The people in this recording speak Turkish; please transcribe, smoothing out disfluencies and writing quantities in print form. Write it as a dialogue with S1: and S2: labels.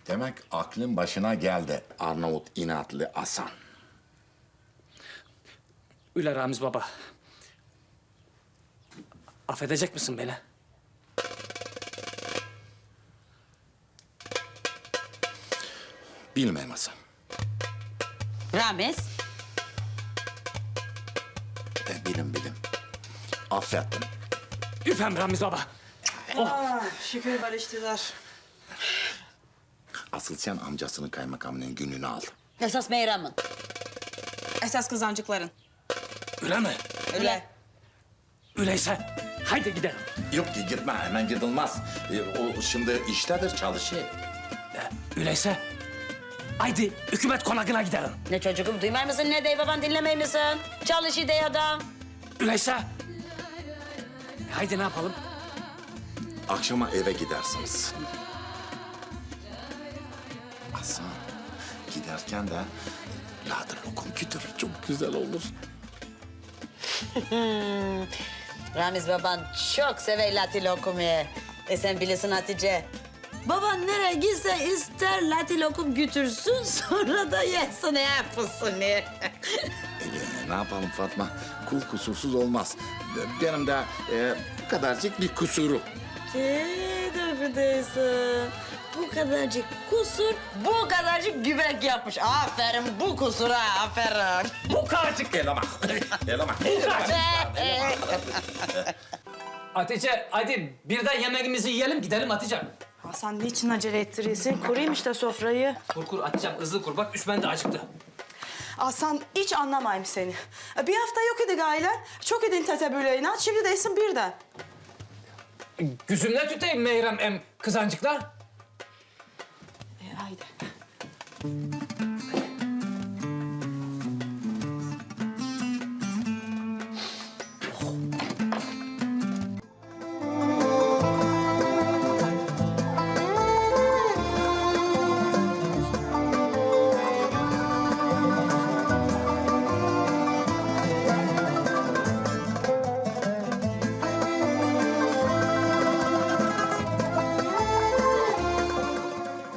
S1: Demek aklın başına geldi Arnavut inatlı Hasan.
S2: Üle Ramiz baba. Affedecek misin beni?
S1: Bilmem Hasan.
S3: Ramiz.
S1: Bilim. Affettim.
S2: Üfem Ramiz baba.
S4: Şükür barıştılar.
S1: Asıl sen amcasının kaymakamının gününü al.
S3: Esas Meyram'ın.
S4: Esas kızancıkların.
S2: Üle mi?
S4: Öyle.
S2: Üleyse haydi gidelim.
S1: Yok ki gitme, hemen gidilmez. O şimdi iştedir, çalışıyor.
S2: Üleyse haydi hükümet konağına gidelim.
S3: Ne çocuğum duymay mısın ne dey baban dinlemey misin? Çalış dey adam.
S2: Üleyse haydi ne yapalım?
S1: Akşama eve gidersiniz. Hasan, giderken de ladır lokum götür, çok güzel olur.
S3: Ramiz baban çok sever lati lokumu. Sen bilirsin Hatice. Baban nereye gitse ister lati lokum götürsün sonra da yesin yapılsın ne.
S1: Ne yapalım Fatma, kul kusursuz olmaz. Benim de bu kadarcık bir kusuru.
S3: Affedersin. Bu kadarcık kusur, bu kadarcık güvek yapmış. Aferin bu kusura, aferin.
S2: Bu kadarcık.
S1: Elemak.
S2: Hatice hadi birden yemeğimizi yiyelim gidelim Hatice.
S4: Hasan niçin acele ettiriyorsun? Kurayım işte sofrayı.
S2: Kur Hatice'm hızlı kur bak üst ben de acıktı.
S4: Hasan hiç anlamayayım seni. Bir hafta yok idi ailen. Çok edin tetebüleğine. Şimdi değilsin birden.
S2: Güzümle tüteyim Meyrem em kızancıklar.
S4: Haydi.